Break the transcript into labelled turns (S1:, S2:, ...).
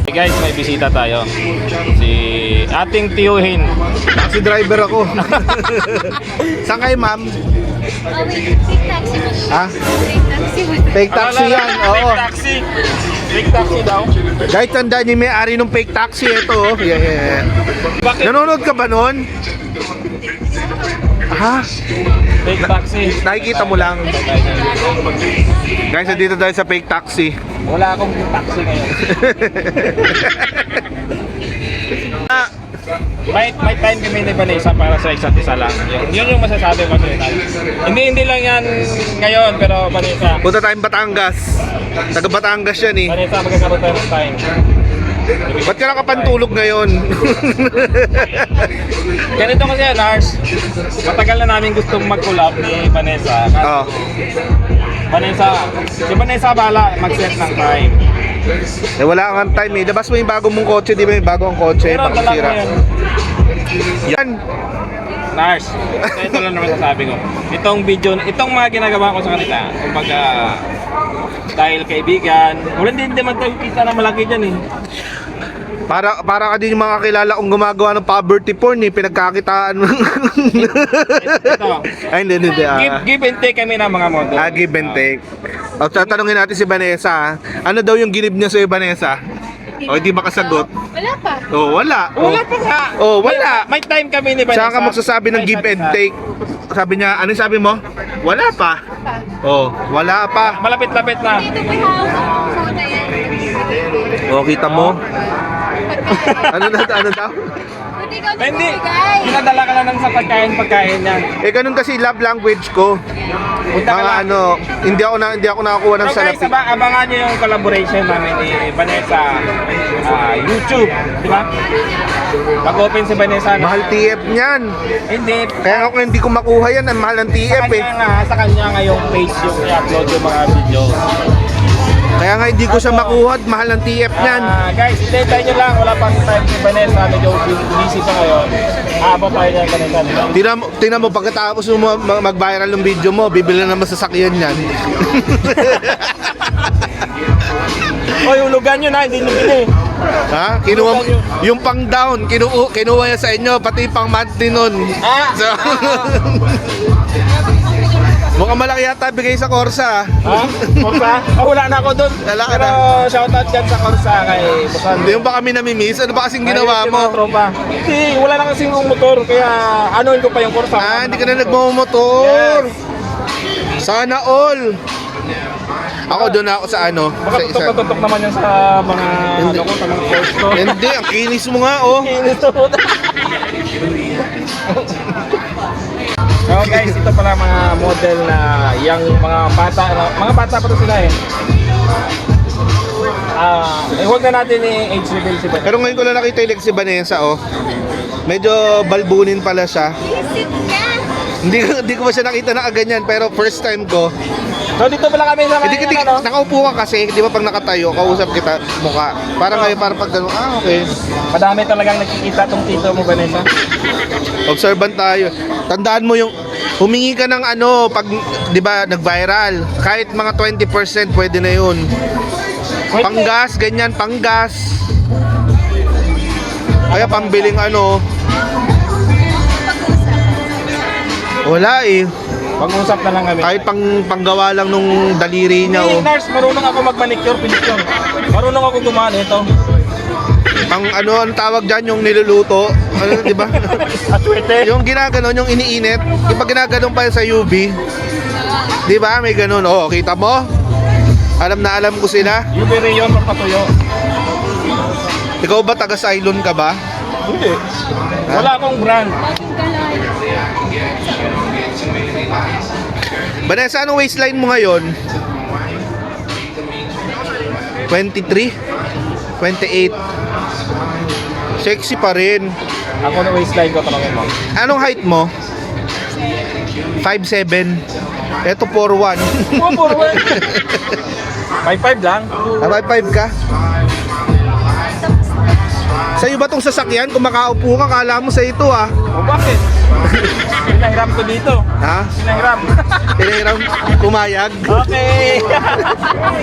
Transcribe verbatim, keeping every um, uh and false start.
S1: Hey guys, may bisita tayo. Si ating tiyuhin.
S2: Taxi driver ako. Saan kayo, ma'am?
S3: Oh, wait. Fake taxi mo.
S2: Ha?
S3: Fake taxi mo.
S2: Fake taxi yan, oo.
S1: Fake taxi. Fake taxi daw.
S2: Guys, tandaan niyo yung may-ari ng fake taxi. Ito, oh. Yeah, yeah, yeah.
S1: Bakit?
S2: Nanonood ka ba nun? Ha?
S1: Fake taxi.
S2: Nakikita mo lang. Guys, nandito tayo sa fake taxi.
S1: Wala akong taxi ngayon.
S2: Ah,
S1: May, may time kami ni Vanessa para sa isa't isa lang. Yun, yun yung masasabi ko sa inyo. Hindi, hindi lang yan ngayon, pero Vanessa,
S2: punta tayong Batangas. Taga Batangas yan eh.
S1: Vanessa, magkakaroon tayo ng time.
S2: Ba't ka nakapantulog ngayon?
S1: Ganito kasi yan, Lars. Matagal na namin gustong mag-collab ni Vanessa. Kasi
S2: Oo.
S1: Vanessa, si Vanessa bala mag-set ng time.
S2: Eh, wala kang time eh. Labas mo yung bago mong kotse, di ba yung bago ang kotse?
S1: Pero dala ko
S2: Pakisira.
S1: yan.
S2: Yan.
S1: Lars, ito, ito lang naman sasabi ko. Itong video, itong mga ginagawa ko sa kanila, kumbaga, dahil kaibigan, wala din naman tayo kita na malaki dyan eh.
S2: Para para ka din yung mga kilala kong gumagawa ng poverty porn eh, pinagkakitaan mo.
S1: Ito,
S2: Ay, hindi, hindi. ah.
S1: give, give and take kami ng mga model.
S2: Ah, give and take. O, tatanungin natin si Vanessa. ah. Ano daw yung ginib niya sa'yo, Vanessa? O, hindi makasagot.
S3: Wala pa.
S2: O, wala. O,
S1: Wala pa nga.
S2: Oh, wala.
S1: May, may time kami ni Vanessa.
S2: saan ka magsasabi ng give and take? Sabi niya, ano yung sabi mo? Wala pa.
S3: Pa.
S2: Oh, wala pa.
S1: Malapit-lapit na.
S3: Dito may hawak ng phone na yan.
S2: O, kita mo? Ano na, ano daw?
S3: Hindi ka
S1: Hindi.
S3: nagbibigay.
S1: Pinadala ka na lang sa pagkain-pagkain yan.
S2: Eh, ganun kasi love language ko.
S1: Punta ka
S2: Mga
S1: lang.
S2: ano, hindi ako na hindi ako nakakuha ng
S1: So guys,
S2: salapi.
S1: aba, abangan nyo yung collaboration namin ni Vanessa ah, YouTube, di ba? Pag-open si Vanessa na,
S2: Mahal T F niyan.
S1: Hindi,
S2: Kaya ako hindi ko makuha yan, ang mahal ng T
S1: sa
S2: F eh.
S1: kanya nga, sa kanya nga yung page yung i-upload yung mga video.
S2: Kaya nga hindi ko siya makuha, at mahal ng T F niyan.
S1: Ah, guys, hintayin nyo lang, wala pang time si Vanessa, medyo busy pa ngayon. Aabot tayo niya Vanessa, di ba?
S2: Tingnan mo, tingnan mo pagkatapos mo ma- mag-viral ng video mo, bibili na naman sasakyan niyan.
S1: O, yung lugan nyo na, hindi nyo bili.
S2: Ha? Kinuha mo, yung pang down, kinuha, kinuha niya sa inyo, pati pang monthly nun.
S1: Ah!
S2: So, mukhang malaki yata bigay sa Corsa.
S1: Ha? Korsa? Oh, wala na ako doon.
S2: Wala ka
S1: Pero
S2: na.
S1: shoutout dyan sa Korsa kay Busan.
S2: Hindi yung ba kami namimiss? Ano ba kasing ginawa
S1: Ayun, yung mga
S2: mo?
S1: tropa. Hindi, wala na kasing yung motor, kaya anuin ko pa yung Corsa.
S2: Ah, hindi ka na nagmamotor. Sana all. Ako doon ako sa ano,
S1: Baka
S2: sa isa.
S1: tutok-tutok naman yan sa mga, ano ko, sa mga course ko.
S2: Hindi, ang kinis mo nga oh.
S1: So guys, ito pala mga model na yung mga bata, mga bata pa to sila eh. Ah, eh, huwag na natin i-age reveal si Vanessa.
S2: Pero ngayon ko na nakita yung si Vanessa oh. Medyo balbunin pala siya.
S3: Visit ka.
S2: Hindi ko hindi ko pa siya nakita na ganyan, pero first time ko.
S1: So dito pala kami sa
S2: Hindi hindi
S1: ano,
S2: nakaupo ka kasi, di ba pag nakatayo, kausap kita mukha. Para ngayon para pag gano'n, ah okay.
S1: madami talagang nakikita tong tito mo, Vanessa.
S2: Observant tayo. Tandaan mo yung humingi ka ng ano pag 'di ba nag-viral. Kahit mga twenty percent pwede na 'yun.
S1: Wait,
S2: Panggas, ganyan, panggas. Kaya pambiling ano. Wala eh.
S1: Pag-usap na lang kami.
S2: Kahit pang panggawa lang nung daliri niya
S1: Hey,
S2: oh.
S1: nurse, marunong ako mag-manicure, pedicure. Marunong ako gumawa nito.
S2: Pang ano ang tawag diyan yung niluluto. Ano 'di ba?
S1: Aswete.
S2: Yung ginaganon, yung iniinit. Yung pag ginaganon pa yun sa U V. 'Di ba? May ganun. Oh, kita mo? Alam na alam ko sila.
S1: U V rayon papatuyo.
S2: Ikaw ba taga Cylon ka ba?
S1: Hindi. Wala akong brand.
S2: Vanessa, anong waistline mo ngayon? twenty-three? twenty-eight? Sexy pa rin.
S1: Ako na waistline ko tanongin mo.
S2: Anong height mo? five seven. Ito four one.
S1: Oh, forward. five five lang.
S2: Ah, five five ka? Sa'yo ba tong sasakyan? Kung makaupo ka, kala mo sa ito ah.
S1: O bakit? Pinahiram ko dito.
S2: Ha?
S1: Pinahiram.
S2: Pinahiram pumayag.
S1: Okay.